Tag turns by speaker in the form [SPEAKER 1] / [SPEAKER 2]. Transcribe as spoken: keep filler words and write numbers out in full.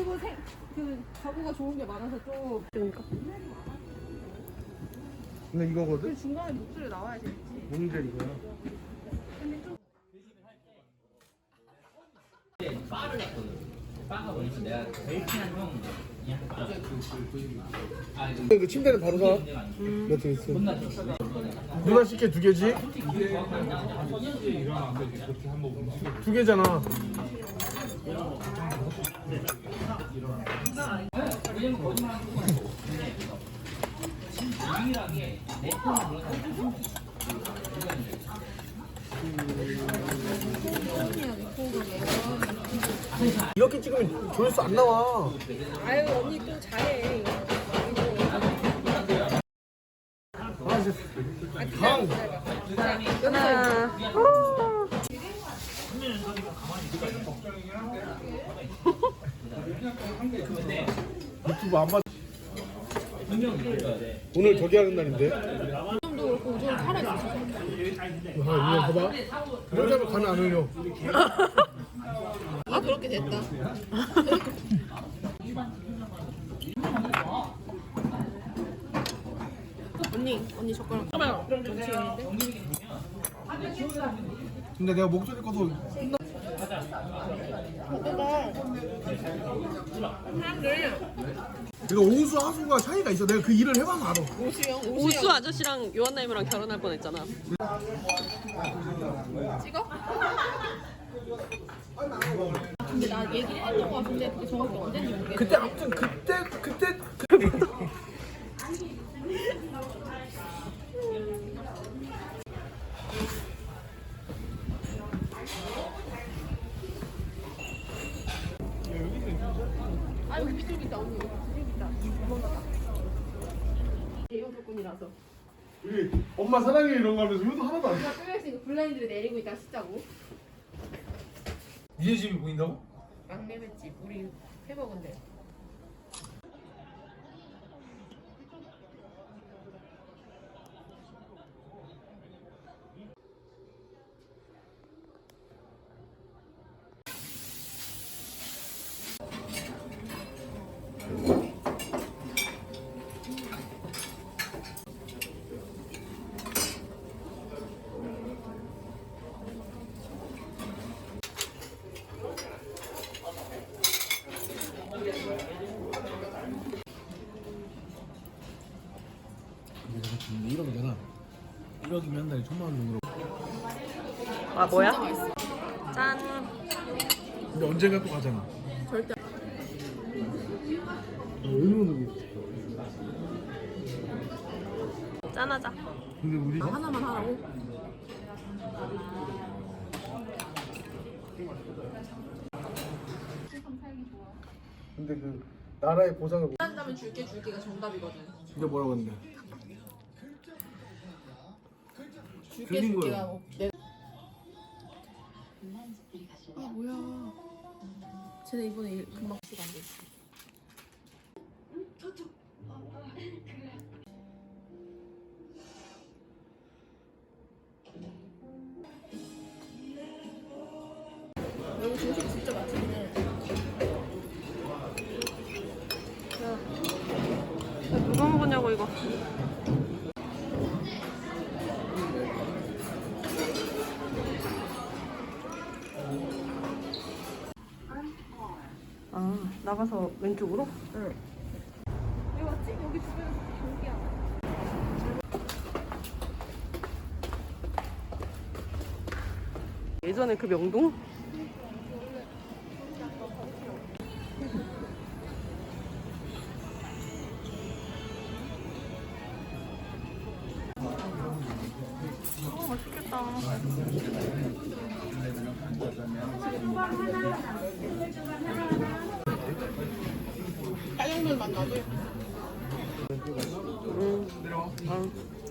[SPEAKER 1] 그리고 생, 그 가구가 좋은 게 많아서 좀.
[SPEAKER 2] 그러니까.
[SPEAKER 3] 근데 이거거든?
[SPEAKER 1] 그 중간에 목소리 나와야 되지.
[SPEAKER 3] 뭔데 이거야?
[SPEAKER 1] 근데 좀.
[SPEAKER 4] 바를 갔거든. 바가 뭐냐면 내가 제일 친한 형 그냥 바.
[SPEAKER 3] 그 침대는 바로 가.
[SPEAKER 2] 음.
[SPEAKER 3] 몇 개 있어? 누나 씻게 두 개지? 두 개잖아.
[SPEAKER 4] 왜냐면 거짓말하는 거 유일하게 내 편을 물어서
[SPEAKER 3] 이렇게 찍으면 조회수 안 나와.
[SPEAKER 1] 아유 언니 또 잘해.
[SPEAKER 3] 아 진짜. 강.
[SPEAKER 2] 하나.
[SPEAKER 3] 유튜브 안 봐. 오늘 저기 하는 날인데.
[SPEAKER 1] 좀도 그렇고 좀 살아있어.
[SPEAKER 3] 아, 이거 봐봐. 이런 자면 가면 안 올려.
[SPEAKER 1] 아 그렇게 됐다. 언니 언니 젓가락. 봐봐요. 전치인데.
[SPEAKER 3] 근데 내가 목소리 꺼서 내가 오수 하수가 차이가 있어. 내가 그 일을 해봐서 알아.
[SPEAKER 1] 오수영
[SPEAKER 2] 우수 아저씨랑 요한나임이랑 결혼할 뻔했잖아.
[SPEAKER 1] 찍어? 근데 나 얘기를 했던 거 같은데 그게 정확히 언제인지 모르겠어.
[SPEAKER 3] 그때 아무튼 그때 그때 그...
[SPEAKER 1] 아 여기 비둘기 있다 언니. 비둘기 있다. 도망갔다. 대형 조건이라서.
[SPEAKER 3] 우리 엄마 사랑해 이런 거 하면서 효도 하나도 안 해.
[SPEAKER 1] 누가 뚫려있으니까 블라인드를 내리고 있다 씻자고.
[SPEAKER 3] 니네 집이 보인다고?
[SPEAKER 1] 막내맷집 우리 해먹은데.
[SPEAKER 3] 근데 일억이잖아. 일억이면 한 달에 천만 원 정도.
[SPEAKER 2] 아 뭐야?
[SPEAKER 1] 진짜 맛있어.
[SPEAKER 2] 짠.
[SPEAKER 3] 근데 언젠가 또 가잖아.
[SPEAKER 1] 절대.
[SPEAKER 3] 얼마나
[SPEAKER 2] 짠하자.
[SPEAKER 3] 근데 우리
[SPEAKER 1] 아, 하나만 하라고?
[SPEAKER 3] 근데 그 나라의 보상을 못-
[SPEAKER 1] 한다면 줄게 줄게가 정답이거든.
[SPEAKER 3] 진짜 뭐라고 했는데?
[SPEAKER 1] 줄게
[SPEAKER 3] 들린
[SPEAKER 1] 줄게가
[SPEAKER 3] 거예요.
[SPEAKER 1] 뭐 내... 아 뭐야? 쟤네 이번에 일, 금방 수가 안 돼. 여기 중식 진짜 맛있네.
[SPEAKER 2] 야, 누가 먹었냐고 이거. 아 나가서 왼쪽으로?
[SPEAKER 1] 응. 여기 왔지? 여기 주변에 경기야.
[SPEAKER 2] 예전에 그 명동? 어 맛있겠다.
[SPEAKER 1] 짜장면 맛 나지?
[SPEAKER 2] 응. 아.